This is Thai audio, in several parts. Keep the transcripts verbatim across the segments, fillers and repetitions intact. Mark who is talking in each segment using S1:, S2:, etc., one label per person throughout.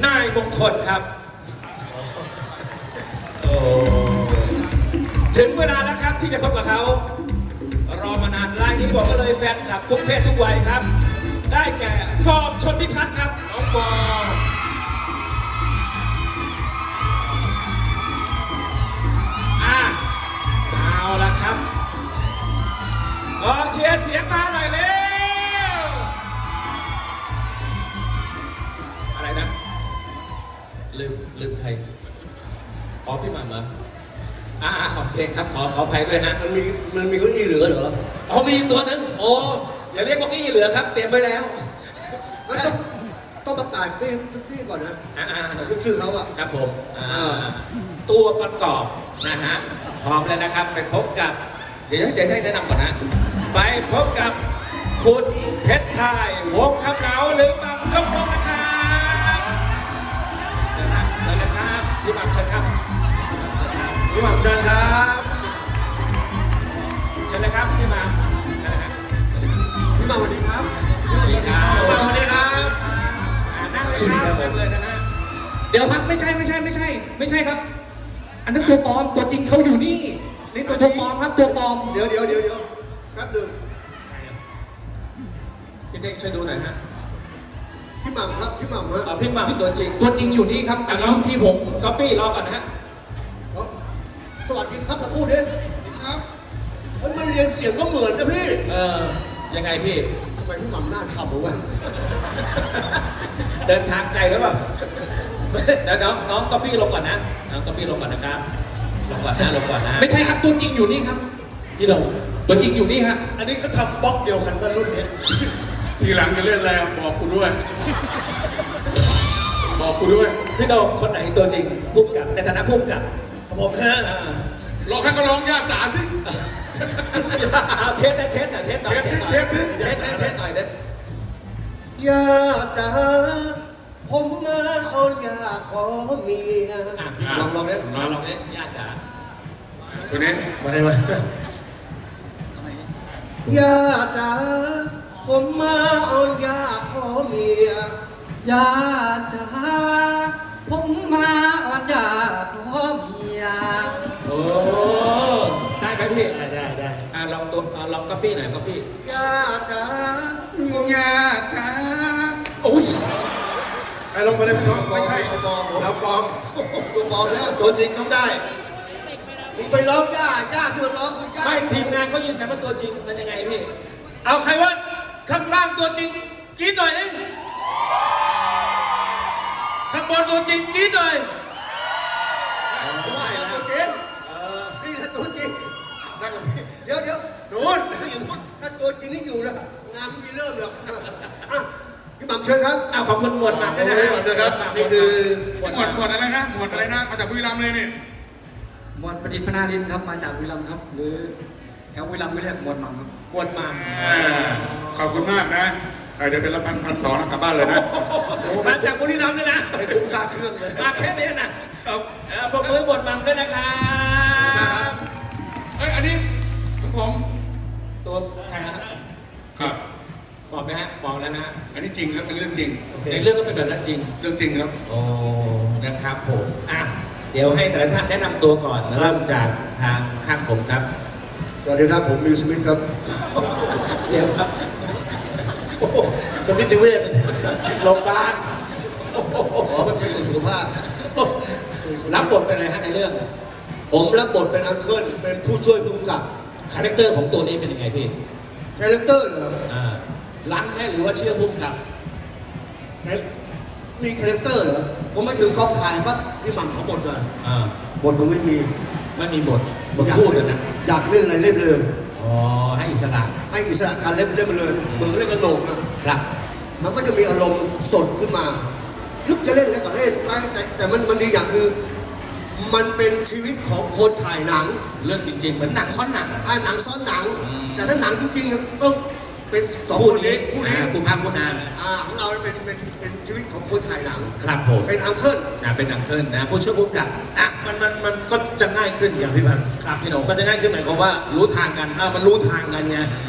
S1: นายมงคลครับโอ้ถึงเวลาแล้วครับที่จะพบกับเขารอมานานรายนี้บอกก็เลยแฟนคลับทุกเพศทุกวัยครับได้แก่ฟอร์มชนพิพัฒน์ครับน้องฟอร์มอ่ะเอาละครับกองเชียร์เสียงมาหน่อยเร็วอะไรนะลืมลืมใครอ๋อพี่หม่ำเหรออ่าโอเคครับขอขออภัยด้วยฮะ
S2: มันมีมันมีเก้าอี้เหลือเหรอ
S1: อ๋อมีตัวนึงโอ้อย่าเรียกว่าเก้าอี้เหลือครับเตรียมไว้แล้ว
S2: มันต้องต้องประกาศที่ที่ก่อนนะ
S1: อ่า
S2: ชื่อเขาอ่ะ
S1: ครับผมอ่าตัวประกอบนะฮะพร้อมแล้วนะครับไปพบกับเดี๋ยวเดี๋ยวให้แนะนำก่อนนะไปพบกับคุณเพชรไทยวงคำเหลาหรือบังจงวงนะครับเชิญครับเชิญเลยครับพี่บังเชิญครับ
S2: พี่หม่ำเชิญครับ
S1: เชิญเลยครับพี่บัง
S2: พี่หม่ำสวัสดีครับ
S1: สวัสดีครับ
S2: สวัสดีครับ
S1: นั่งเลยครับนั่งเลยนะฮะ
S3: เดี๋ยวครับไม่ใช่ไม่ใช่ไม่ใช่ไม่ใช่ครับอันนั้นตัวปลอมตัวจริงเขาอยู่นี่นี่ตัวปลอมครับตัวปลอม
S2: เดี๋ยวเดี๋ยวเดี๋ยวเดี๋ยวแป๊บหนึ่ง
S1: พี่เท่งช่วยดูหน่อยฮะ
S2: พี่หม่ำครับพี่หม่ำฮะ
S1: พี่หม่ำตัวจริง
S3: ตัวจริงอยู่นี่ครับอันนี้ที่ผม
S1: ก๊อปปี้รอก่อนนะฮะ
S2: สวัสดีครับมาพูดดิครับมันมันเรียนเสียงก็เหมือนนะพี่
S1: เออยังไงพี่
S2: ทำไมพี่หม่ำหน้าฉ่ำวะ
S1: เดินทางไกลหรือเปล่าเดี๋ยวน้องน้องก๊อปปี้ลงก่อนนะน้องก๊อปปี้ลงก่อนนะครับลงก่อนนะลงก่อนนะ
S3: ไม่ใช่ครับตัวจริงอยู่นี่ครับ
S1: ที่ลง
S3: ตัวจริงอยู่นี่ฮะ
S2: อันนี้เขาทำบล็อกเดียวกันกับรุ่นนี้
S4: ทีหลังจะเล่นอะไรบอกกูด้วยบอกกูด้วย
S1: พี่โดมคนไหนตัวจริงพุ่มกับในฐานะพุ่มกับ
S2: ผมฮะ
S4: ลองให้เขาร้องย่าจ๋าสิ
S1: เอาเทสได้เทสหน่อยเทสหน่อยเทสหน่อยเทสเทสเทสหน่อยเด้
S2: ย่าจ๋าผมมาเอาย่าขอเมียลองลองเนี้ย
S1: ลองลองเนี้ยย่าจ๋า
S4: ตัวนี้
S2: มาได้มาย่าจ๋าผมมาเอาย่าขอเมีย
S3: ย่าจ๋าผมมาเอาย่าขอเมีย
S1: โอ้ได้ไหมพี่
S2: ได้ได้ได้
S1: อ่าลองตัวลองก๊อปปี้หน่อยก๊อปปี้
S2: ย่าจ๋าย่าจ๋า
S1: โอ้ย
S2: ไอ้ลงไปเลยพี่น้องไม่ใช่ตัวปลอมแล้วปลอมตัวปลอมแล้วตัวจริงต้องได้มึงไปร้องย่าย่าคือร้องคือย่า
S1: ไม่ทีมงานเขายืนยันว่าตัวจริงมันยังไงพี่
S2: เอาใครวะข้างล่างตัวจริงจี๊ดหน่อยนึงข้างบนตัวจริงจี๊ดหน่อยไม่ใช่ตัวจริงนี่แหละตัวจริงเดี๋ยวเดี๋ยวโน่นถ้าตัวจริงนี่อยู่นะงานไม่มีเริ่มหรอกพี่หม่ำเชิญครับ
S1: อ้าวขอบคุณหมวดหม่ำด้วยนะ
S2: นะครับนี่คือ
S4: หมวดหมวดอะไรนะหมวดอะไรนะมาจากบุรีรัมย์เลยนี่
S3: หมวดประดิษฐ์พนารินครับมาจากบุรีรัมย์ครับหรือแถวบุรีรัมย์ไม่เรียกหมวดหม่ำครับ
S1: หมวดหม่ำ
S4: ขอบคุณมากนะเดี๋ยวเป็นละพันพันสองกลับบ้านเลยนะ
S1: มาจากบุรีรัมย์เลยนะ
S2: ไม่คุ้มค่าเครื่องเลย
S1: มาแค่นี้นะปรบมือหมวดหม่ำด้วยนะครับ
S4: เฮ้ยอันนี้ของผม
S1: ตัวใครฮะ
S4: ครับ
S1: บอกไหมฮะบอกแล้วนะ
S4: อันนี้จริงครับเป็นเรื่องจริง
S1: ในเรื่องก็เป็นแบบนั้นจริง
S4: เรื่องจริงครับ
S1: โอ้นะครับผมอ่ะเดี๋ยวให้แต่ละท่านแนะนำตัวก่อนเริ่มจากทางข้างผมครับ
S2: สวัสดีครับผมมิวสมิธครับ
S1: เดี๋ยวครับ
S2: สมิธเวช
S1: โรงพยาบาล
S2: อ๋อมันเป็นสุขภาพ
S1: รับบทเป็นอะไรฮะในเรื่อง
S2: ผมรับบทเป็นอังเคิลเป็นผู้ช่วยผู้กำกับ
S1: คาแรคเตอร์ของตัวนี้เป็นยังไงพี่
S2: คาแรคเตอร์เหรอ
S1: อ่าลังไหมหรือว่าเชื่อพุ่มกับ
S2: มีคาแรคเตอร์เหรอผมไม่ถึงกองถ่ายปั๊บพี่หม่ำเขาบทเลย
S1: อ่า
S2: บทมันไม่มี
S1: ไม่มีบทบทพูดเลยนะ
S2: อยากเล่นอะไรเล่นเลย
S1: อ๋อให้อิสระ
S2: ให้อิสระการเล่นเล่นไปเลยเหมือนเล่นกระโหลกนะครับมันก็จะมีอารมณ์สดขึ้นมานึกจะเล่นอะไรก็เล่นแต่แต่มันมันดีอย่างคือมันเป็นชีวิตของคนถ่ายหนัง
S1: เรื่องจริงๆเหมือนหนังซ้อนหนัง
S2: อ่าหนังซ้อนหนังแต่ถ้าหนังจริงๆต้องเป็นสองคนนี้
S1: คู่นี้คู่พาคู่นาง
S2: อ่าของเราเป็นเป็นเป็นชีวิตของคนถ่ายหนัง
S1: ครับผม
S2: เป็นอังเคิล
S1: อ่าเป็นอังเคิลนะผู้ช่วยผู้กำกับอ่ะ
S2: มันมันมันก็จะง่ายขึ้นอย่างพี่พันธ์
S1: ครับพี่โหน่ง
S2: มันจะง่ายขึ้นหมายความว่า
S1: รู้ทางกัน
S2: อ่ามันรู้ทางกันไง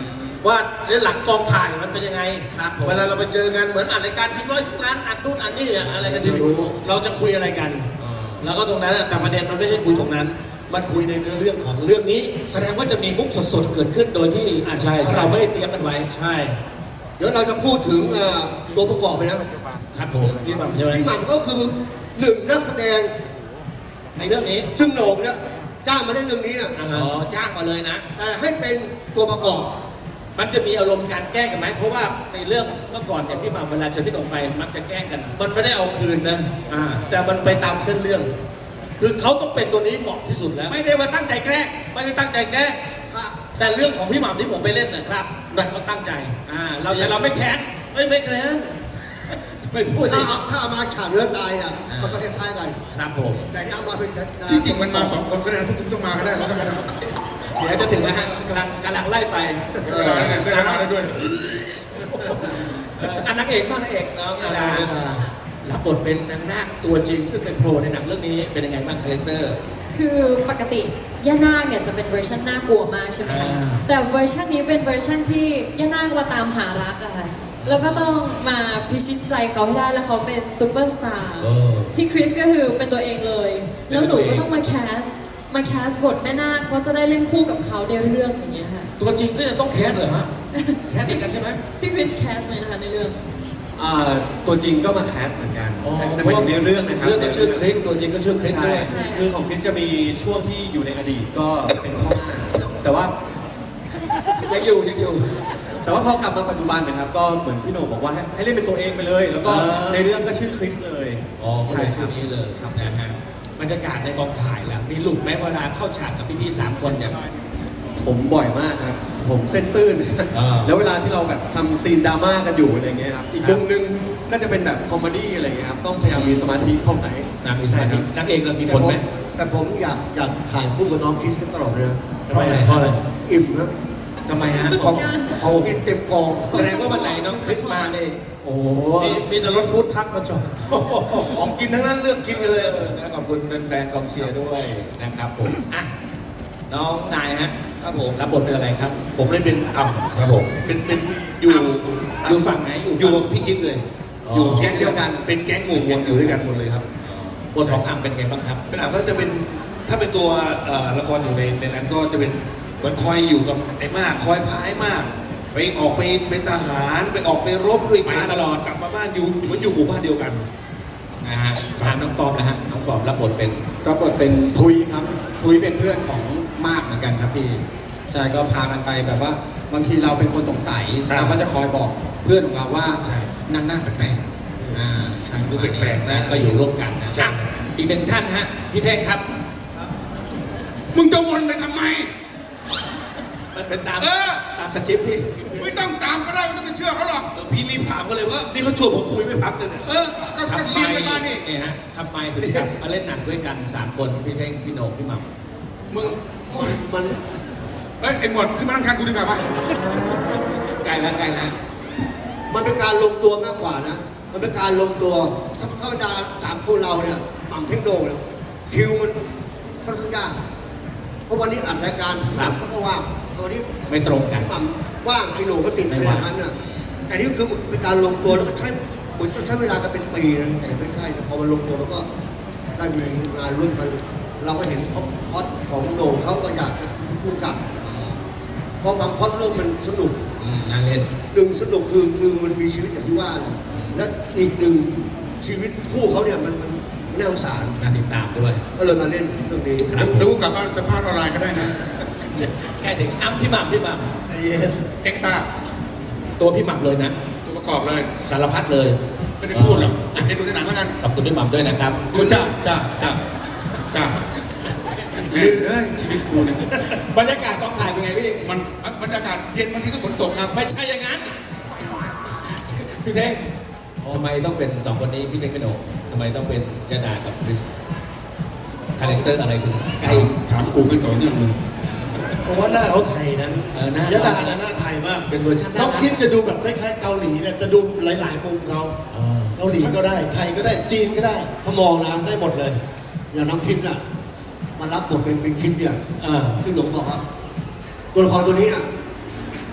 S2: ว่าในหลังกองถ่ายมันเป็นยังไง
S1: ครับผม
S2: เวลาเราไปเจอกันเหมือนอัดรายการชิงร้อยชิงล้านอัดนู่นอัดนี่อะไรกันที่
S1: รู้
S2: เราจะคุยอะไรกัน
S1: เออ
S2: แล้วก็ตรงนั้นอะแต่ประเด็นมันไม่ใช่คุยตรงนั้น มันคุยในเรื่องของเรื่องนี้
S1: แสดงว่าจะมีมุกสดๆเกิดขึ้นโดยที่
S2: อ่าใช่ใช่
S1: เราไม่ได้เตรียมกันไว้
S2: ใช่ เดี๋ยวเราจะพูดถึงเอ่อตัวประกอบไปนะครับ
S1: ผม
S2: พี่หม่ำใช่ไหมพี่หม่ำก็คือหนึ่งนักแสดง
S1: ในเรื่องนี้
S2: ซึ่งโหน่งเนี่ยจ้างมาเล่นเรื่องนี้อะ
S1: อ๋อจ้างมาเลยนะ
S2: แต่ให้เป็นตัวประกอบ
S1: มันจะมีอารมณ์การแกล้งกันไหมเพราะว่าในเรื่องเมื่อก่อนเนี่ยพี่หมาเวลาเชิญพี่หนุ่มไปมักจะแกล้งกัน
S2: มันไม่ได้เอาคืนนะ
S1: อ่า
S2: แต่มันไปตามเส้นเรื่อง คือเขาต้องเป็นตัวนี้เหมาะที่สุดแล้ว
S1: ไม่ได้ว่าตั้งใจแกล้ง
S2: ไม่ได้ตั้งใจแกล้งแต่เรื่องของพี่หม่ำที่ผมไปเล่นนะครับนั่นเขาตั้งใจ
S1: อ่าเราแต่เราไม่แค้น
S2: ไม่ไม่แกล้ง
S1: ไม่พูดสิ
S2: ถ้าเอาถ้าเอามาฉากเนื้อตายน่ะ
S1: อ่ามั
S2: มันก็คล้ายๆกัน
S1: ครับผม
S2: แต่นี่เอามาเป็น
S4: ที่จริงมันมาสองคนก็ได้นะพวกคุณต้องมาก็ได้แล้วก็ไม่ต้อง
S1: เดี๋ยวจะถึงแล้วฮะกำลังกำลังไล่ไป
S4: เวลาเนี่ยได้เวลาแล้วด้วย
S1: เอ่ออันนักเอกบ้างนักเอกน้องนาดารับบทเป็นนางนาคตัวจริง ซึ่งเป็นโปรในหนังเรื่องนี้เป็นยังไงบ้างคาแรคเตอร์
S5: คือปกติย่านาคเนี่ยจะเป็นเวอร์ชันน่ากลัวมากใช่ไหมคะ
S1: อ่า
S5: แต่เวอร์ชันนี้เป็นเวอร์ชันที่ย่านาคมาตามหารักอะค่ะ แล้วก็ต้องมาพิชิตใจเขาให้ได้แล้วเขาเป็นซูเปอร์สตาร์
S1: เออ
S5: พี่คริสก็คือเป็นตัวเองเลย แล้วหนูก็ต้องมาแคส มาแคสบทแม่นาคเพราะจะได้เล่นคู่กับเขาในเรื่องอย่างเงี้ยค่ะ
S1: ตัวจริงก็จะต้องแค้นเหรอฮะแค้นเด็กกันใช่ไหม
S5: พี่คริสแคสไหมนะคะในเรื่อง
S6: อ่าตัวจริงก็มาแคสเหมือนกัน
S1: อ๋อ
S6: ใช่แต่หมายถึงในเรื่องนะครับ
S1: เรื่องเนี่ยชื่อคริสตัวจริงก็ชื่อคริส
S6: ใช่
S1: ด้วย
S5: ใช่
S6: คือของคริสจะมีช่วงที่อยู่ในอดีตก็เป็นพ่อหน้าแต่ว่า
S1: ยังอยู่ยังอยู่
S6: แต่ว่าพอกลับมาปัจจุบันนะครับ ก็เหมือนพี่โหน่งบอกว่าให้ให้เล่นเป็นตัวเองไปเลย แล้วก็
S1: อ่า
S6: ในเรื่องก็ชื่อคริสเลย
S1: อ๋อใช่
S6: ใช่ค
S1: ชื่
S6: รั
S1: อบ นี้เลยครับนะฮะบรรยากาศในกองถ่ายแล้วมีหลุดไหมเวลาเข้าฉากกับพี่ๆสามคนเนี่ย
S6: ผมบ่อยมากครับ ผมเส้นตื้น
S1: อ่า
S6: แล้วเวลาที่เราแบบทำซีนดราม่ากันอยู่อะไรเงี้ยครับ อีก
S1: ครั
S6: มุ
S1: บ
S6: มนึงก็จะเป็นแบบคอมเมดี้อะไรเงี้ยครับ ต้องพยายามมีสมาธิเข้าไหน
S1: นะมีสมาธินักเอกเรามี
S2: แต่
S1: ผล
S2: ผม
S1: ไหม
S2: แต่ผมอยากอยากถ่ายคู่กับน้องคริสกันตลอดเลยนะ
S1: ทำไมอะ
S2: เพราะอะไรอิ่มนะ
S1: ทำไมฮะ
S2: ของเขากินเต็มกอง
S1: แสดงว่าวันไหนน้องคริสมาเนี่ยโอ้โห
S2: มีมีแต่รถฟู้ดทักมาจอดของกินทั้งนั้นเลือกกินกันเลย
S1: เออนะขอบคุณแฟนๆกองเชียร์ด้วยนะครับผมอ่ะน้องนายฮะ
S2: ครับผม
S1: รับบทเป็นอะไรครับ
S2: ผมเล่นเป็นอ่ำครับผมเป็นเป็นอยู่
S1: อยู่ฝั่งไหนอยู่
S2: อยู่
S1: ฝั่
S2: กับ
S1: ง
S2: พี่คิดเลย
S1: อ๋อ
S2: อยู่แก๊งเดียวกันเป็นแก๊งหมู่มวลอยู่ด้วยกันหมดเลยครับ
S1: บทของอ่ำเป็นไงบ้างครับ
S7: เป็นอ่ะก็จะเป็นถ้าเป็นตัวเอ่อละครอยู่ในในนั้นก็จะเป็นเหมือนคอยอยู่กับไอ้มากคอยพายมาก ไปออกไปเป็นทหารไปออกไปรบด้วยกัน
S1: ไปตลอด
S7: กลับมาบ้านอยู่เหมือนอยู่หมู่บ้านเดียวกัน
S1: นะฮะถามน้องฟอร์มนะฮะน้องฟอร์มรับบทเป็น
S8: ก็บทเป็นทุยครับ ทุยเป็นเพื่อนของมากเหมือนกันครับพี่ใช่ก็พากันไปแบบว่าบางทีเราเป็นคนสงสัย
S7: ครับ
S8: เราก็จะคอยบอกเพื่อนของเราว่า
S7: ใช่
S8: นั่งหน้าแปลกๆอ่าใช่
S7: ดูแปลกๆ
S1: นะก็อยู่ร่วมกันนะอ่ะอีกหนึ่งท่านฮะพี่เท่งครับ
S4: มึงจะวนไปทำไม
S1: มันเป็นตาม
S4: เออ
S1: ตามสคริปต์พี่
S4: ไม่ต้องตามก็ได้ไม่ต้องไปเชื่อเขาหรอก
S7: เออพี่รีบถามเขาเลยว่านี่เขาชวนผมคุยไม่พักเลยเนี่ย
S4: เออ ก็ก็
S1: ทำไม
S4: เรียนกันมานี่
S1: เนี่ยฮะทำไมถึงกลับมาเล่นหนังด้วยกันสามคนพี่เท่งพี่โหน่งพี่หม่ำ
S4: มึง
S2: มัน
S4: เอ้ยไอ้หมวดขึ้นมานั่งข้างกูดีกว่าป่ะ
S1: ใกล้แล้วใกล้แล้ว
S2: มันเป็นการลงตัวมากกว่านะ มันเป็นการลงตัวถ้าถ้าบรรดาสามคนเราเนี่ยหม่ำเท่งโด่งเนี่ยคิวมันค่อนข้างยากเพราะวันนี้อัดรายการหนังก็ว่างตอนนี้
S1: ไม่ตรงกัน
S2: หม่ำว่างไอ้โหน่งก็ติด
S1: ไม่
S2: ใน
S1: ว่าง
S2: นั้นน่ะแต่นี่คือเป็นการลงตัวแล้วก็ใช้เหมือนจะใช้เวลากันเป็นปีนะแต่ไม่ใช่แต่พอมันลงตัวแล้วก็ได้มีงานร่วมกัน เราก็เห็นพอดของโหน่งเขาก็อยากจะพูดกับพอฟังพอดเรื่องมันสนุก
S1: อืมน่าเล่น
S2: หนึ่งสนุกคือคือมันมีชีวิตอย่างที่ว่าแหละและอีกหนึ่งชีวิตคู่เขาเนี่ยมันมันน่าสงสาร
S1: น่าติดตามด้วย
S2: ก็เลยมาเล่นเรื่องนี้
S1: ครับ
S4: เดี๋ยวกูกลับบ้านสัมภาษณ์ออนไลน์ก็ได้นะ
S1: ใกล้ถึงอ้ำพี่หม่ำพี่หม่
S2: ใจเย็น
S4: เอ็กตา
S1: ำตัวพี่หม่ำเลยนะ
S4: ตัวประกอบเลย
S1: สารพัดเลย
S4: ไม่ได้พูดหรอกอ่ะให้ดูในหนังแล้วกัน
S1: ขอบคุณพี่หม่ำด้วยนะครับ
S4: คุณจ้าจ้าจ้าจ้าเอ้ยเอ้ยชีวิตกูเนี่ย
S1: บรรยากาศกองถ่ายเป็นไงพี่
S4: มันบรรยากาศเย็นบางทีก็ฝนตกครับ
S1: ไม่ใช่อย่างนั้น พี่เท่งทำไมต้องเป็นสองคนนี้พี่เท่งพี่โหน่งทำไมต้องเป็นยาดากับคริสคาแรคเตอร์อะไรถึงใกล้
S4: ถามกูกันก่อนเนี่ยมึง
S2: เพราะว่าหน้าเขาไทยนะ
S1: เออหน้าย
S2: ะดานะหน้าไทยมาก
S1: เป็นเวอร์ชัน
S2: น้องคิดจะดูแบบคล้ายๆเกาหลีเนี่ยจะดูหลายๆมุมเขา
S1: อ๋อ
S2: เกาหลีก็ได้ไทยก็ได้จีนก็ได้ถ้ามองนะได้หมดเลย อย่างน้องคิดน่ะมารับบทเป็นเป็นคิดเนี่ย
S8: อ่า
S2: คือหลงบอกว่าตัวละครตัวนี้อ่ะ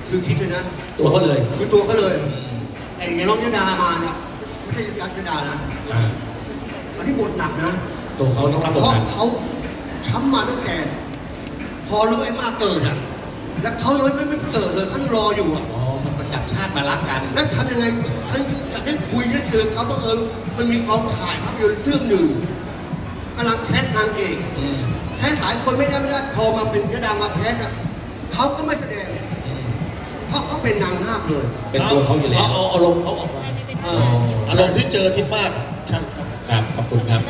S2: คือคิดเลยนะ
S1: ตัวเขาเลย
S2: คือตัวเขาเลยไอ้น้องยดามาเนี่ยไม่ใช่ยดานะ
S1: อ่า
S2: อันที่บทหนักนะ
S1: ตัวเขาต้องรับบท
S2: เพราะ
S1: หนัก
S2: เขาช้ำมาตั้งแต่พอรู้ไอ้มากเกิดอ่ะแล้วเขายังไม่ไม่เกิดเลยเขายังรออยู่อ่ะ
S1: อ๋อมันมันจับชาติมารักกัน
S2: แล้วทำยังไงฉันจะได้คุยได้เจอเขาต้องเออมันมีกองถ่ายภาพยนตร์เรื่องหนึ่งกำลังแคสนางเอก
S1: อืม
S2: แคสหลายคนไม่ได้ไม่ได้พอมาเป็นยดามาแคสอ่ะเขาก็ไม่แสดงเพราะเขาเป็นนางนาคเลย
S1: เป็นตัวเขาอยู่แล้ว
S7: เอาอารมณ์เขาออกมา
S2: เอ
S1: อ๋อ
S2: อ
S7: อารมณ์ที่เจอที่บ้านใช่ครับ
S1: ครับขอบคุณครับ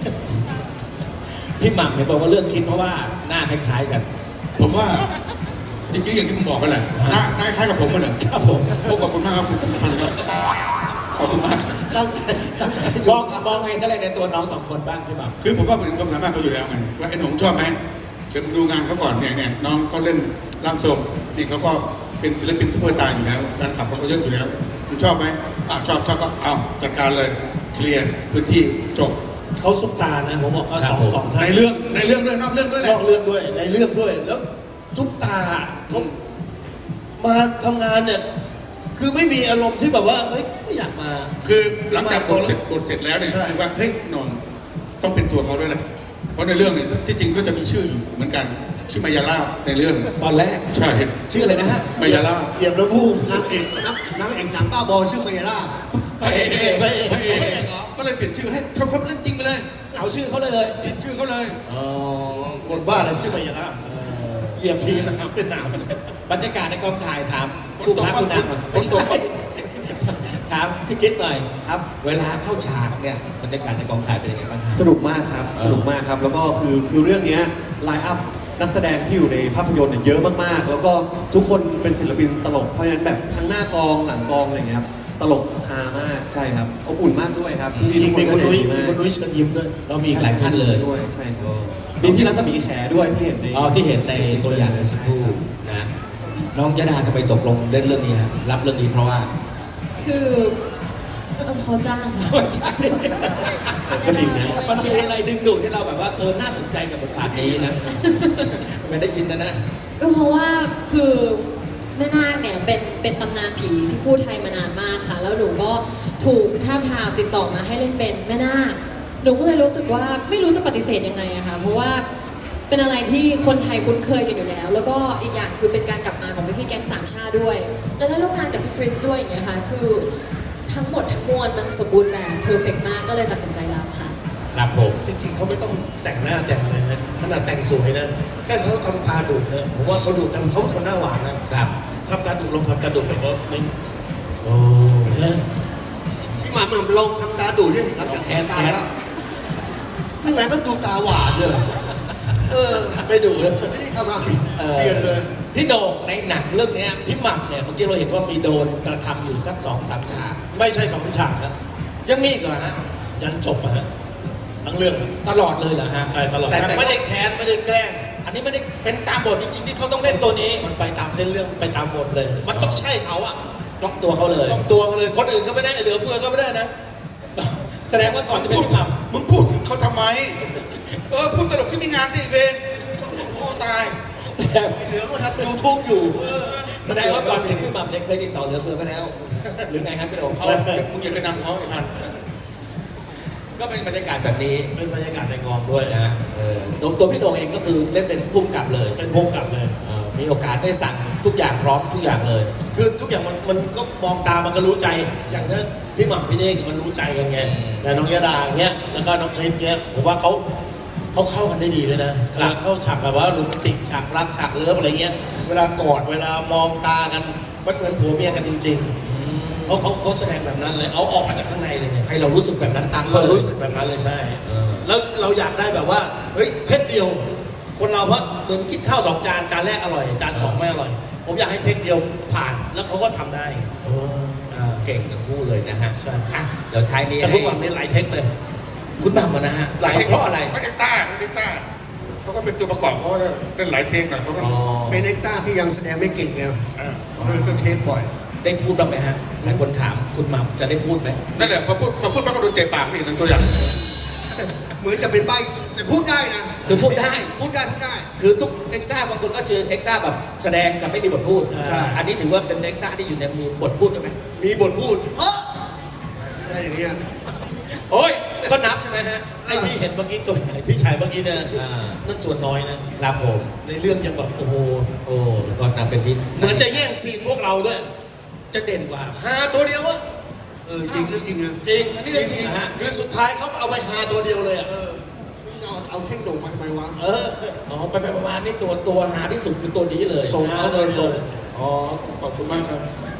S1: พี่หม่ำเห็นบอกว่าเรื่องคิดเพราะว่าหน้าคล้ายๆกัน
S4: ผมว่าจริงๆอย่างที่ผมบอกกันแหละหน้าหน้าคล้ายกับผมกันเลย
S1: ครับผม
S4: พวกขอบคุณมากครับคุณพันธุ์ครับขอบคุณมาก
S2: ตั้งใจตั้งใจ
S1: มองมองเห็นอะไรในตัวน้องสองคนบ้างพี่หม่ำ
S4: คือผมก็เป็นความสามารถเขาอยู่แล้วไงว่าไอ้หนุ่มชอบไหมเดี๋ยวมึงดูงานเขาก่อนเนี่ยเนี่ยน้องเขาเล่นร่างทรงนี่เขาก็เป็นศิลปินทุกประการอยู่แล้วแฟนคลับเขาก็เยอะอยู่แล้วคุณชอบไหมอ่าชอบชอบก็เอาจัดการเลยเคลียร์พื้นที่จบ
S7: เขาซุปตานะผมบอกว่าสองสองท่าน
S4: ในเรื่องในเรื่องด้วยนอกเรื่องด้วยแห
S7: น
S4: ละ
S7: อกเรื่องด้วยในเรื่องด้วยแล้วซุปตาเขามาทำงานเนี่ยคือไม่มีอารมณ์ที่แบบว่าเฮ้ยไม่อยากมา
S4: คือหลังจากบทเสร็จบทเสร็จแล้วเนี่ย
S7: ใช่
S4: คือว่าเฮ้ยนนท์ต้องเป็นตัวเขาด้วยนะเพราะในเรื่องเนี่ยที่จริงก็จะมีชื่ออยู่เหมือนกันชื่อมายาลาบในเรื่อง
S1: ตอนแรก
S4: ใช่
S1: ชื่ออะไรนะฮะ
S4: มายาลาบ
S7: เหยียบน้ำมูก
S2: นางเอกนางนางเอกหนังบ้าบอชื่อเมยล่า
S1: พระเอก
S7: พระเอก
S4: พระเอกก็เลยเปลี่ยนชื่อให้เขาเขาเล่นจริงไปเลย
S1: เอาชื่อเขาเลย
S4: เปลี่ยนชื่อเขาเลย
S1: อ๋อ
S7: คนบ้าอะไรชื่อมายาลาเหยียบทีนะครับเป็นหนาว
S1: บรรยากาศในกองถ่ายถามผู้พักผู้นำอ่ะ
S4: ฝนตก
S1: ถามพี่คิดหน่อยครับ เวลาเข้าฉากเนี่ยบรรยากาศในกองถ่ายเป็นยังไงบ้างฮะ
S6: สนุกมากครับ สนุกมากครับ แล้วก็คือคือเรื่องเนี้ไลน์อัพนักแสดงที่อยู่ในภาพยนตร์เนี่ยเยอะมากๆ แล้วก็ทุกคนเป็นศิลปินตลก เพราะฉะนั้นแบบทั้งหน้ากองหลังกองอะไรเงี้ยครับ ตลกฮามาก ใช่ครับ อบอุ่นมากด้วยครับที่
S7: มี
S6: ทุก
S7: มี
S6: ค
S7: คน
S6: น
S7: นุ้ย
S6: ดี
S7: มี
S6: มาก
S7: คนนุ้ยเชิญยิ้มด้วย
S1: เรามีอีกหลายท่านเลย
S6: ด้วย ใช่ครับมีพี่รัศมีแขด้วยที่เห็นใน
S1: อ๋อที่เห็นในตัวอย่างในสักครู่นะ น้องยดาทำไมตกลงเล่นเรื่องนี้ฮะรับเรื่องนี้เพราะว่า
S5: คือเออเขาจ้างค่ะ
S1: ไม่ใช่ก็จริงนะมันมีอะไรดึงดูดให้เราแบบว่าเออน่าสนใจกับบทบาทนี้นะ ไม่ได้ยินนะนะ
S5: ก็เพราะว่าคือแม่นาคเนี่ยเป็นเป็นตำนานผีที่พูดไทยมานานมากค่ะ แล้วหนูก็ถูกท้าบทามติดต่อมาให้เล่นเป็นแม่นาคหนูก็เลยรู้สึกว่าไม่รู้จะปฏิเสธยังไงอะค่ะเพราะว่าเป็นอะไรที่คนไทยคุ้นเคยกันอยู่แล้ว แล้วก็อีกอย่างคือเป็นการกลับมาของพี่ๆแก๊งสามชาติด้วยแล้วได้ร่วมงานกับพี่คริสด้วยอย่างเงี้ยค่ะคือทั้งหมดทั้งมวลมันสมบูรณ์แบบเพอร์เฟกมากก็เลยตัดสินใจรับค่ะ
S1: ครับผม
S7: จริงๆเขาไม่ต้องแต่งหน้าแต่งอะไรนะขนาดแต่งสวยนะแค่เขาทำตาดุนะผมว่าเขาดุแต่เขาเป็นคนหน้าหวานนะครับ ทำตาดุลองทำตาดุไปก็ไม่โอ้ฮะ
S2: พี่หม่ำลองทำตาดูดิหลังจากแคสตายแล้วข้างในต้องดูตาหวานเลยเออ
S7: ไม่ดุเลย
S2: ไม่ได้ทำอะไรเปลี่ยนเลย
S1: พี่โด่งในหนังเรื่องเนี้ยพี่หม่ำเนี่ยเมื่อกี้เราเห็นว่ามีโดนกระทำอยู่สักสองสามฉาก
S7: ไม่ใช่สองฉากนะ
S1: ยังมีอีกเหรอฮะ
S7: ยันจบอะฮะทั้งเรื่อง
S1: ตลอดเลยเหรอฮะ
S7: ใช่ตลอด
S1: แต่แต่
S7: ไม่ได้แค้นไม่ได้แกล้ง
S1: อันนี้ไม่ได้เป็นตามบทจริงๆที่เขาต้องเล่นตัวนี้
S7: มันไปตามเส้นเรื่องไปตามบทเลย มันต้องใช่เขาอะ
S1: ล็อกตัวเขาเลย
S7: ต้องตัวกันเลยคนอื่นก็ไม่ได้เหลือเฟือก็ไม่ได้นะ
S1: แสดงว่าก่อนจะเป็นพี่หม่
S4: มึงพูดถึงเขาทำไมเออพูดตลกที่มีงานที่เวนโอ้ตาย
S1: ำแสดง
S2: เหลือก็ทำยูทูบอยู่
S1: แสดงว่าก่อนถึงพี่หม่ำเนี่ยเคยติดต่อเหลือเฟือไปแล้ว หรือไงครับพี่โด่ง
S4: เขามึงอย่าไปนำเขาไอ้พัน
S1: ก็เป็นบรรยากาศแบบนี้
S7: เป็นบรรยากาศในกองด้วย
S1: นะเออตัวตัวพี่โด่งเองก็คือเล่นเป็นผู้กำกับเลย
S7: เป็นพวกกลับเลย
S1: เอ่อมีโอกาสได้สั่งทุกอย่างพร้อมทุกอย่างเลย
S7: คือทุกอย่างมันมันก็มองตามันก็รู้ใจ อย่างถ้าพี่หม่ำพี่เน่งมันรู้ใจกันไงแต่น้องยดาเงี้ย แล้วก็น้องคลิปเงี้ย ผมว่าเขาเขาเข้ากันได้ดีเลยนะเวลาเข้าฉากแบบว่าโรแมนติกฉากรักฉากเลิฟอะไรเงี้ย เวลากอดเวลามองตากันมันเหมือนผัวเมียกันจริงๆเขาเขาเขาแสดงแบบนั้นเลย เอาออกมาจากข้างในเลยไง
S1: ให้เรารู้สึกแบบนั้นตาม
S7: เรา
S1: เขาเลย
S7: รู้สึกแบบนั้นเลยใช่
S1: เออ
S7: แล้วเราอยากได้แบบว่า เฮ้ยเทคเดียว คนเราเพราะเหมือนกินข้าวสองจาน จานแรกอร่อย จานสองไม่อร่อย ผมอยากให้เทคเดียวผ่าน แล้วเขาก็ทำได้
S1: โอ้
S7: อ่า
S1: เก่งทั้งคู่เลยนะฮะ
S7: ใช่
S1: อ่ะเดี๋ยวท้ายนี้
S7: แต่
S1: ให้
S7: ทุกวันนี้หลายเทคเลย
S1: คุณหม่ำมานะฮะ
S7: หลาย
S1: เพราะอะไร
S4: ไม่ได้ต้าไม่ได้ต้าเขาก็เป็นตัวประกอบเขาก็เป็นหลายเทคหน่อยเขาก็
S1: อ๋อ
S2: เป็นเอ็กต้าที่ยังแสดงไม่เก่งไงเลยต้องเทคบ่อย
S1: ได้พูดบ้างไหมฮะหลายคนถามคุณหม่ำจะได้พูดไหม
S4: นั่นแหละพอพูดพอพูดมากก็โดนเตะปากนี่นั่นตัวอย่าง
S2: เหมือนจะเป็นใบแต่พูดได้นะ
S1: คือพูดได้
S2: พูดได้พูดได้
S1: คือทุกเอ็กซ์ตร้าบางคนก็เจอเอ็กซ์ตร้าแบบแสดงกับไม่มีบทพูด
S2: ใช่
S1: อันนี้ถือว่าเป็นเอ็กซ์ตร้าที่อยู่ในมีบทพูดใช่ไหม
S2: มีบทพูดเอออะไรอย่างเงี้ย
S1: โอ้ยก็นับใช่ไหมฮะ
S7: ไอ้ที่เห็นเมื่อกี้ตัวใหญ่พี่ชายเมื่อกี้เนี่ย
S1: อ่า
S7: นั่นส่วนน้อยนะครับ
S1: ผม
S7: ในเรื่องยังแบบโอ้โห
S1: โอ้ก็นับเป็นที่
S7: เหมือนจะแย่งซีนพวกเราด้วย
S1: จะเด่นกว่า
S7: ฮาตัวเดียวอะ
S2: เออจริงหรือจริงนะ
S7: จริง
S1: อันนี้เรื่องจริงเหรอฮะ
S7: คือสุดท้ายเขาเอาไปฮาตัวเดียวเลยอะ
S2: เออเอาเอาเท่งโด่งมาทำไมวะ
S7: เออ
S1: อ๋อไปไปประมาณนี่ตัวตัวหาที่สุดคือตัวนี้เลย
S7: ส่งเขาเลยส่ง
S1: อ๋อ
S4: ขอบคุณมากครับ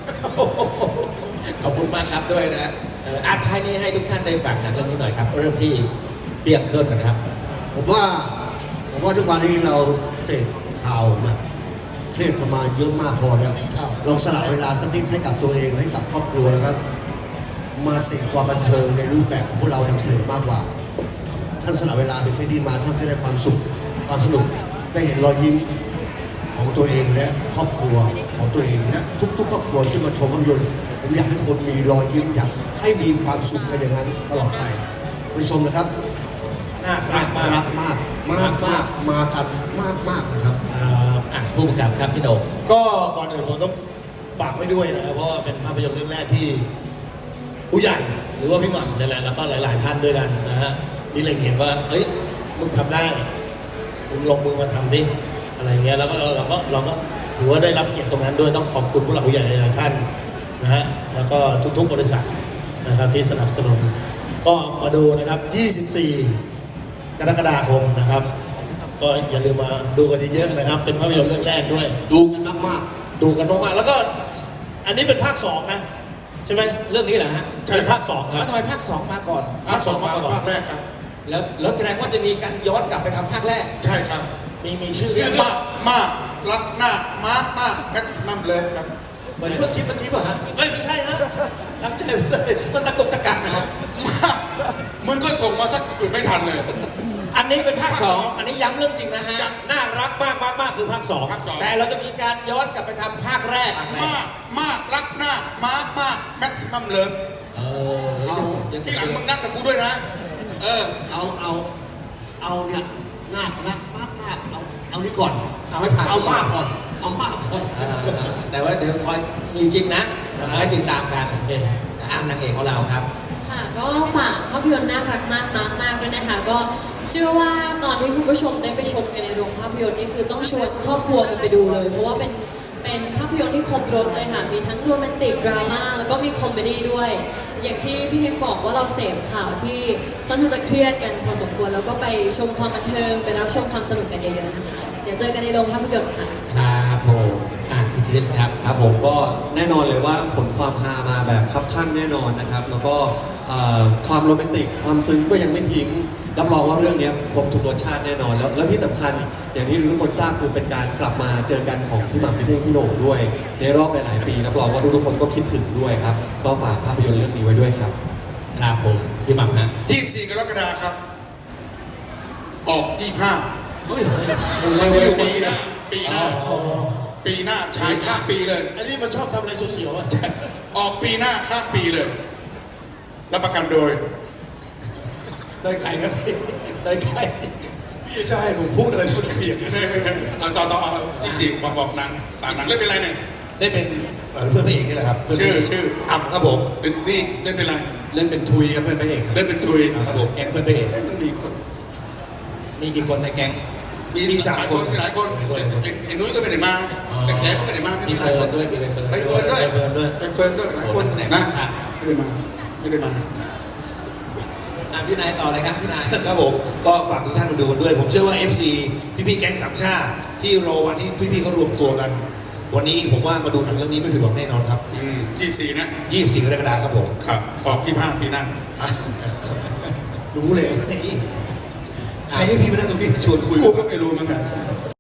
S1: ขอบคุณมากครับด้วยนะเอ่ออาท้ายนี้ให้ทุกท่านได้ฟังหนังเรื่องนี้หน่อยครับ เริ่มที่เบียงเคิร์นกันครับ
S2: ผมว่าผมว่าทุกวันนี้เราเสพข่าวมาเครียดประมาณเยอะมากพอแล้วลองสละเวลาสักนิดให้กับตัวเองให้กับครอบครัวนะครับ มาเสพความบันเทิงในรูปแบบของพวกเรานำเสนอมากกว่า ท่านสละเวลาเป็นแค่ดีมาท่านจะได้ความสุขความสนุกได้เห็นรอยยิ้มของตัวเองและครอบครัวของตัวเองและทุกๆครอบครัวที่มาชมภาพยนตร์ผมอยากให้ทุกคนมีรอยยิ้มอยากให้มีความสุขกันอย่างนั้นตลอดไปไปชมนะครับ
S7: น่ารักมาก
S2: มากมากมากมากมากันมากมากนะครับ
S7: อ่า
S1: อ่ะผู้กำกับครับพี่โหน่ง
S7: ก็ก่อนอื่นผมต้องฝากไว้ด้วยนะครับเพราะว่าเป็นภาพยนตร์เรื่องแรกที่ผู้ใหญ่หรือว่าพี่หม่ำนี่แหละแล้วก็หลาย ๆ ท่านด้วยกันนะฮะที่เล็งเห็นว่าเฮ้ยมึงทำได้มึงลงมือมาทำดิอะไรเงี้ยแล้วก็เราเราก็เราก็ถือว่าได้รับเกียรติตรงนั้นด้วยต้องขอบคุณผู้หลักผู้ใหญ่หลายๆท่านนะฮะแล้วก็ทุก ๆ บริษัทนะครับที่สนับสนุนก็มาดูนะครับ ยี่สิบสี่ กรกฎาคมนะครับ ก็อย่าลืมมาดูกันเยอะๆนะครับ เป็นภาพยนตร์เรื่องแรกด้วย
S2: ดูกันมากมาก
S7: ดูกันมากๆแล้วก็อันนี้เป็นภาคสองนะใช่ไหม
S1: เรื่องนี้เหรอฮะ
S7: ใช่ภาคสองค
S1: แล้
S7: รั
S1: ว
S7: บ
S1: ทำไมภาคสองมาก่อน
S7: ภาคสองมาก่อน
S4: ภาคแรกครับ
S1: แล้วแล้วแสดงว่าจะมีการย้อนกลับไปทำภาคแรก
S4: ใช่ครับ
S7: มีมีชื่อ
S4: ชื่อ
S7: เรื่อง
S4: มากมากรักหน้ามาร์กมากแม็กซ์นัมเลิฟครับ
S1: เหมือนเพิ่งคิดเมื่อกี้ป่ะฮะ
S7: ไม่ไม่ใช่ฮะตั้งใจไปเลย
S1: มันตะกุกตะกักนะฮะ
S4: มากมึงก็ส่งมาสักอื่นไม่ทันเลย
S1: อันนี้เป็นภาคสองอันนี้ย้ำเรื่องจริงนะฮะ
S7: น่ารักมากมากมากคือภาคสอง
S4: ภาคสอง
S1: แต่เราจะมีการย้อนกลับไปทำภาคแรก
S4: มากมากรักหน้ามาร์กมากแม็กซ์นัมเลิฟ
S1: เออยัง
S4: ที่หลังมึงนัดกับกูด้วยนะ เออ
S2: เอาเอาเอาเนี่ยมากมากมากมากเอาเอานี่ก่อน
S1: เอาให้ผ่าน
S2: เอามากก่อนเอามากก่อน
S1: เออแต่ว่าเดี๋ยวคอยมีจริงนะให้ติดตามกัน
S7: โอเค
S1: อ่านนางเอกของเราครับ
S5: ค่ะก็ฝากภาพยนตร์น่ารักมากมากมากด้วยนะคะ ก็เชื่อว่าตอนที่คุณผู้ชมได้ไปชมกันในโรงภาพยนตร์นี่คือต้องชวนครอบครัวกันไปดูเลย เพราะว่าเป็นเป็นภาพยนตร์ที่ครบรถเลยค่ะมีทั้งโรแมนติกดราม่าแล้วก็มีคอมเมดี้ด้วย อย่างที่พี่เทงบอกว่าเราเสพข่าวที่ค่อนข้างจะเครียดกันพอสมควรแล้วก็ไปชมความบันเทิงไปรับชมความสนุกกันเยอะๆนะคะเดี๋ยวเจอกันในโรงภาพยนตร์ค่ะ
S1: ครับผมอ่ะพี่ทีเดสครับ
S6: ครับผมก็แน่นอนเลยว่าขนความฮามาแบบคับคั่นแน่นอนนะครับ แล้วก็เอ่อความโรแมนติกความซึ้งก็ยังไม่ทิ้งรับรองว่าเรื่องนี้ครบทุกรสชาติแน่นอนแล้วแล้วที่สำคัญอย่างที่ทุกคนทราบคือเป็นการกลับมาเจอกันของพี่หม่ำพี่เท่งพี่โหน่งด้วย ในรอบหลายๆปีรับรองว่าทุกๆคนก็คิดถึงด้วยครับก็ฝากภาพยนตร์เรื่องนี้ไว้ด้วยครับ
S1: ครับผมพี่หม่ำฮะ
S4: ยี่สิบสี่กรกฎาคมครับ ออกยี่สิบห้า
S1: เฮ้ย
S4: เร็วๆปีหน้าปีหน้าปีหน้าฉายข้ามปีเลย
S7: อันนี้มันชอบทำอะไรเสียวๆอ่ะ
S4: ออกปีหน้าข้ามปีเลยรับประกันโดย
S1: โดยใครครับพี่โดยใคร
S7: พี่ใช่ผมพูดอะไรพูดเสียง
S4: เอาต่อต่อเอาสี่สี่บอกบอกหนังสามหนังเล่นเป็นไรเนี่ย
S7: ได้เป็นเอ่อเพื่อนพระเอกนี่แหละครับ
S4: ชื่อชื่อ
S7: อ่ำครับผม
S4: นี่เล่นเป็นไร
S8: เล่นเป็นทุยครับเพื่อนพระเอกครับ
S4: เล่นเป็นทุย
S1: ครับผมแก๊งเพื่อนพระเอก
S4: ต้องมีคน
S1: มีกี่คนในแก๊ง
S4: มีมีสามคนมีหลายคนไอ้นุ้ยก็ไม่ได้มา แต่แขกก็ไม่ได้มา
S1: มี
S4: มี
S1: เฟิร์นด้วยมีใบเฟิร์น
S4: ไปเฟิร์นด้วย
S7: ไปเฟิร์นด้วย
S4: ไปเฟิร์นด้วยหลายคน
S1: นักแสดง
S4: นะ
S1: อ่ะ
S4: ไม่ได้มาไม่ได้มา
S1: อ่ะพี่นายต่อเลยครับพี่นาย
S7: ครับผมก็ฝากทุกท่านมาดูกันด้วย ผมเชื่อว่า เอฟ ซี พี่ๆแก๊งสามชาติที่รอวันที่พี่ๆเขารวมตัวกัน วันนี้ผมว่ามาดูหนังเรื่องนี้ไม่ผิดหวังแน่นอนครับ
S4: อืมยี่สี่นะ
S7: ยี่สิบสี่กรกฎาคมครับผม
S4: ครับออกยี่ห้าปีหน้า
S7: อ่ะรู้เลยใครให้พี่มานั่งตรงนี้ชวนคุย
S4: กูก็ไม่รู้เหมือนกัน